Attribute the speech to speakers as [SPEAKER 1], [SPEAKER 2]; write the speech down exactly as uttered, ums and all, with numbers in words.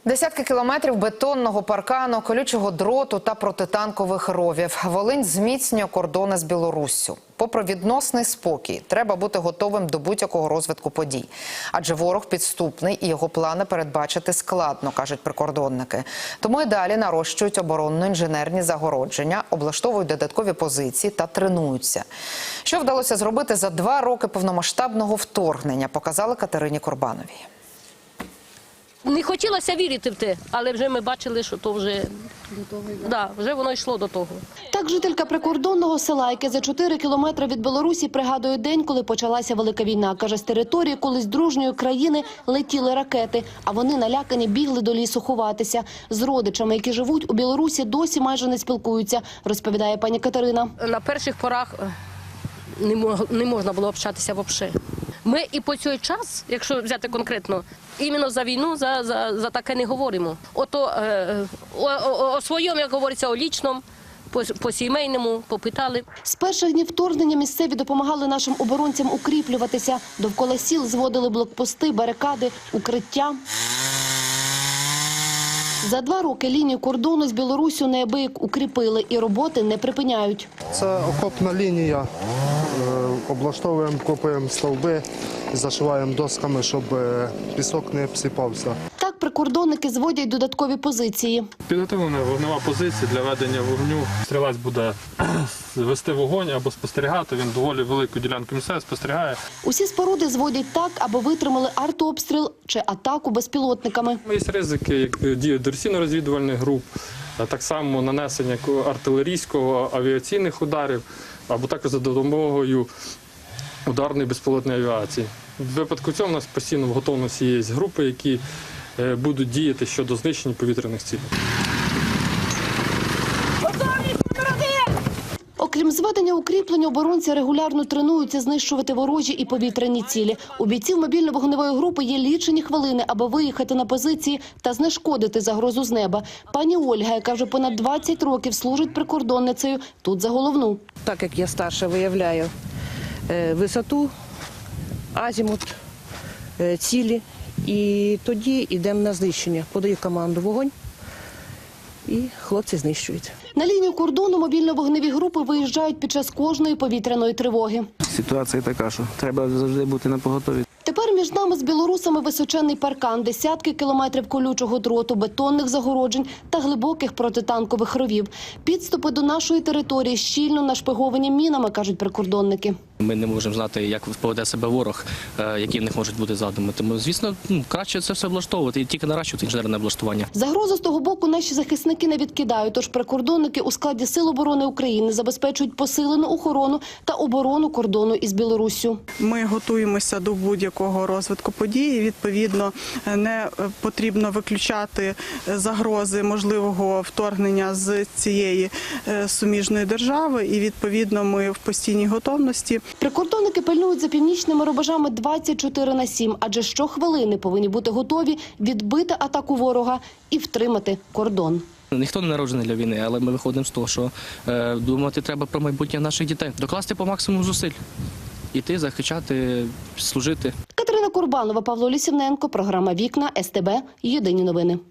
[SPEAKER 1] Десятки кілометрів бетонного паркану, колючого дроту та протитанкових ровів. Волинь зміцнює кордони з Білоруссю. Попри відносний спокій, треба бути готовим до будь-якого розвитку подій. Адже ворог підступний і його плани передбачити складно, кажуть прикордонники. Тому і далі нарощують оборонно-інженерні загородження, облаштовують додаткові позиції та тренуються. Що вдалося зробити за два роки повномасштабного вторгнення, показали Катерині Корбановій.
[SPEAKER 2] Не хотілося вірити в те, але вже ми бачили, що то вже, да, вже воно йшло до того.
[SPEAKER 3] Так жителька прикордонного села, яке за чотири кілометри від Білорусі, пригадує день, коли почалася Велика війна. Каже, з території колись дружньої країни летіли ракети, а вони налякані бігли до лісу ховатися. З родичами, які живуть у Білорусі, досі майже не спілкуються, розповідає пані Катерина.
[SPEAKER 2] На перших порах не, мог, не можна було общатися взагалі. Ми і по цей час, якщо взяти конкретно, іменно за війну, за, за, за таке не говоримо. Ото е, о, о, о своєму, як говориться, о лічному, по, по сімейному попитали.
[SPEAKER 3] З перших днів вторгнення місцеві допомагали нашим оборонцям укріплюватися. Довкола сіл зводили блокпости, барикади, укриття. За два роки лінію кордону з Білоруссю неабияк укріпили і роботи не припиняють.
[SPEAKER 4] Це окопна лінія. Облаштовуємо, копаємо стовби, зашиваємо досками, щоб пісок не обсипався.
[SPEAKER 3] Так прикордонники зводять додаткові позиції.
[SPEAKER 5] Підготовлена вогнева позиція для ведення вогню. Стрілець буде вести вогонь або спостерігати. Він доволі велику ділянку місця спостерігає.
[SPEAKER 3] Усі споруди зводять так, аби витримали артобстріл чи атаку безпілотниками.
[SPEAKER 5] Є ризики, як дії диверсійно-розвідувальних груп, так само нанесення артилерійського, авіаційних ударів, або також за допомогою ударної безпілотної авіації. В випадку цього у нас постійно в готовності є групи, які будуть діяти щодо знищення повітряних цілей.
[SPEAKER 3] Окрім зведення укріплень, оборонці регулярно тренуються знищувати ворожі і повітряні цілі. У бійців мобільно-вогневої групи є лічені хвилини, аби виїхати на позиції та знешкодити загрозу з неба. Пані Ольга, яка вже понад двадцять років служить прикордонницею, тут за головну.
[SPEAKER 6] Так як я старша, виявляю висоту, азімут, цілі, і тоді йдемо на знищення. Подаю команду «Вогонь» і хлопці знищують.
[SPEAKER 3] На лінію кордону мобільно-вогневі групи виїжджають під час кожної повітряної тривоги.
[SPEAKER 7] Ситуація така, що треба завжди бути напоготові.
[SPEAKER 3] Тепер між нами з білорусами височенний паркан, десятки кілометрів колючого дроту, бетонних загороджень та глибоких протитанкових ровів. Підступи до нашої території щільно нашпиговані мінами, кажуть прикордонники.
[SPEAKER 8] Ми не можемо знати, як поведе себе ворог, які в них можуть бути задуми. Тому, звісно, краще це все облаштовувати і тільки наращувати інженерне облаштування.
[SPEAKER 3] Загрозу з того боку наші захисники не відкидають, тож прикордонники у складі Сил оборони України забезпечують посилену охорону та оборону кордону із Білоруссю.
[SPEAKER 9] Ми готуємося до будь-якого розвитку подій. Відповідно, не потрібно виключати загрози можливого вторгнення з цієї суміжної держави. І, відповідно, ми в постійній готовності.
[SPEAKER 3] Прикордонники пильнують за північними рубежами двадцять чотири на сім, адже щохвилини повинні бути готові відбити атаку ворога і втримати кордон.
[SPEAKER 8] Ніхто не народжений для війни, але ми виходимо з того, що е, думати треба про майбутнє наших дітей. Докласти по максимуму зусиль. Іти, захищати, служити.
[SPEAKER 3] Катерина Корбанова, Павло Лісівненко, програма «Вікна», ес те бе, Єдині новини.